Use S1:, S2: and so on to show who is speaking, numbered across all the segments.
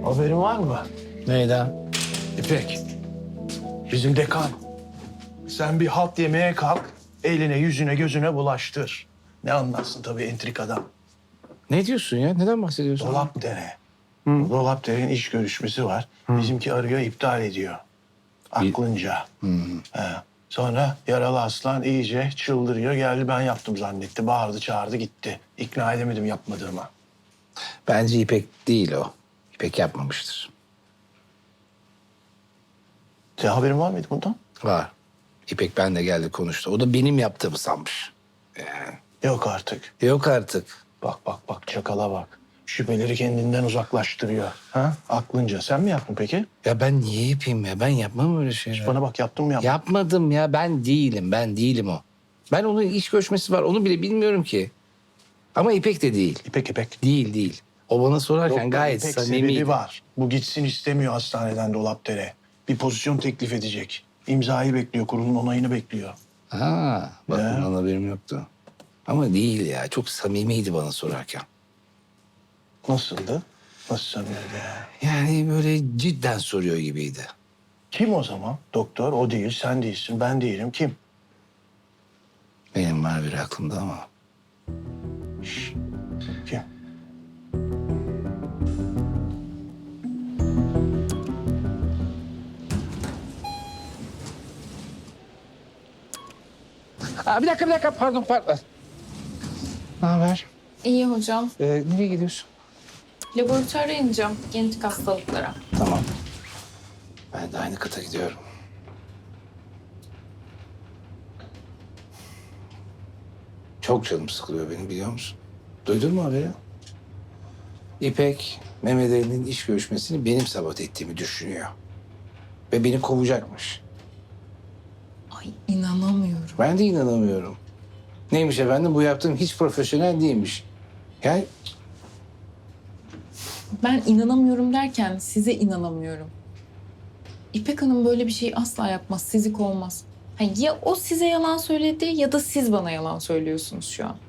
S1: Haberin var mı?
S2: Neyden?
S1: İpek, bizim dekan. Sen bir halt yemeye kalk, eline, yüzüne, gözüne bulaştır. Ne anlarsın tabii entrikadan.
S2: Ne diyorsun ya? Neden bahsediyorsun?
S1: Dolapdere. Dolapdere'nin iş görüşmesi var. Bizimki arıyor, iptal ediyor. Aklınca. He. Sonra yaralı aslan iyice çıldırıyor. Geldi ben yaptım zannetti. Bağırdı, çağırdı, gitti. İkna edemedim yapmadığıma.
S2: Bence İpek değil o. İpek yapmamıştır.
S1: Senin haberin var mıydı bundan?
S2: Var. İpek benle geldi konuştu. O da benim yaptığımı sanmış.
S1: Yok artık.
S2: Yok artık.
S1: Bak çakala bak. Şüpheleri kendinden uzaklaştırıyor. Ha? Aklınca. Sen mi yaptın peki?
S2: Ya ben niye yapayım ya? Ben yapmam öyle şeyler.
S1: Bana bak yaptın mı yapmadın?
S2: Yapmadım ya. Ben değilim o. Ben onun iş görüşmesi var. Onu bile bilmiyorum ki. Ama İpek de değil.
S1: İpek.
S2: Değil. O bana sorarken
S1: Yok,
S2: gayet
S1: İpek
S2: samimiydi.
S1: sebebi var. Bu gitsin istemiyor hastaneden Dolapdere. Bir pozisyon teklif edecek. İmzayı bekliyor, kurulun onayını bekliyor.
S2: Ha, bak
S1: Ya.
S2: bundan haberim yoktu. Ama değil ya. Çok samimiydi bana sorarken.
S1: Nasıldı? Nasıl sanıyordu ya?
S2: Yani böyle cidden soruyor gibiydi.
S1: Kim o zaman? Doktor o değil, sen değilsin, ben değilim. Kim?
S2: Benim var bir aklımda ama.
S1: Kim?
S2: Aa, bir dakika. Pardon. Ne haber?
S3: İyi hocam.
S2: Nereye gidiyorsun?
S3: Laboratuvara ineceğim genetik hastalıklara.
S2: Tamam. Ben de aynı kata gidiyorum. Çok canım sıkılıyor benim biliyor musun? Duydun mu haberi? İpek, Mehmet Ali'nin iş görüşmesini benim sabote ettiğimi düşünüyor. Ve beni kovacakmış.
S3: Ay inanamıyorum.
S2: Ben de inanamıyorum. Neymiş efendim bu yaptığım hiç profesyonel değilmiş. Yani
S3: Ben inanamıyorum derken size inanamıyorum. İpek Hanım böyle bir şey asla yapmaz, sizi kovmaz. Ha, ya o size yalan söyledi ya da siz bana yalan söylüyorsunuz şu an.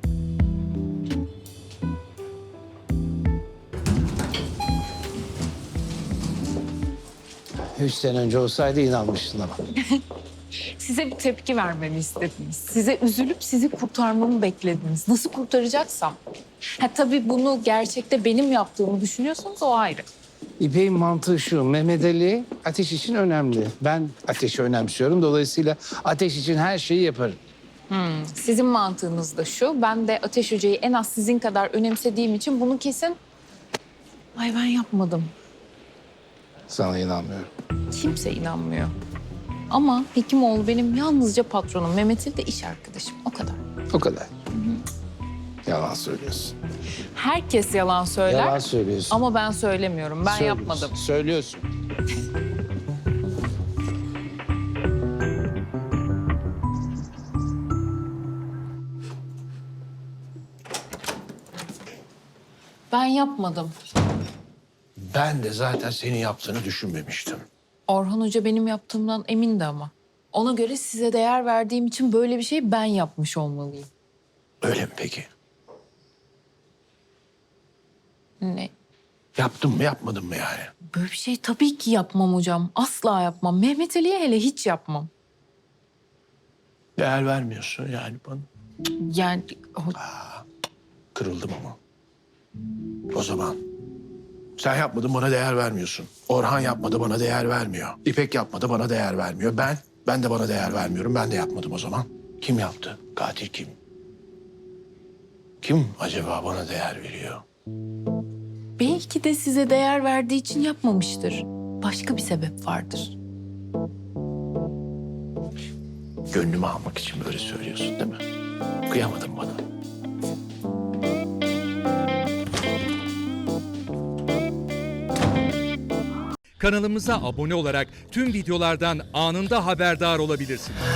S2: üç sene önce olsaydı inanmıştın ama.
S3: Size bir tepki vermemi istediniz. Size üzülüp sizi kurtarmamı beklediniz. Nasıl kurtaracaksam. Ha tabii bunu gerçekte benim yaptığımı düşünüyorsanız o ayrı.
S2: İpek'in mantığı şu, Mehmet Ali ateş için önemli. Ben ateşi önemsiyorum. Dolayısıyla ateş için her şeyi yaparım.
S3: Sizin mantığınız da şu. Ben de Ateş Hoca'yı en az sizin kadar önemsediğim için bunu kesin... Ay ben yapmadım.
S2: Sana inanmıyorum.
S3: Kimse inanmıyor. Ama Hekimoğlu benim yalnızca patronum. Mehmet Ali de iş arkadaşım. O kadar.
S2: O kadar. Yalan söylüyorsun.
S3: Herkes yalan söyler.
S2: Yalan söylüyorsun.
S3: Ama ben söylemiyorum. Ben
S2: Söylüyorsun.
S3: yapmadım.
S2: Söylüyorsun.
S3: Ben yapmadım.
S1: Ben de zaten senin yaptığını düşünmemiştim.
S3: Orhan Hoca benim yaptığımdan emindi ama. Ona göre size değer verdiğim için böyle bir şey ben yapmış olmalıyım.
S1: Öyle mi peki?
S3: Ne?
S1: Yaptın mı yapmadın mı yani?
S3: Böyle bir şey tabii ki yapmam hocam. Asla yapmam. Mehmet Ali'ye hele hiç yapmam.
S1: Değer vermiyorsun yani bana.
S3: Yani
S1: Kırıldım ama. O zaman sen yapmadın bana değer vermiyorsun. Orhan yapmadı bana değer vermiyor. İpek yapmadı bana değer vermiyor. Ben de bana değer vermiyorum. Ben de yapmadım o zaman. Kim yaptı? Katil kim? Kim acaba bana değer veriyor?
S3: belki de size değer verdiği için yapmamıştır. Başka bir sebep vardır.
S1: Gönlümü almak için böyle söylüyorsun değil mi? Kıyamadın bana.
S4: Kanalımıza abone olarak tüm videolardan anında haberdar olabilirsiniz.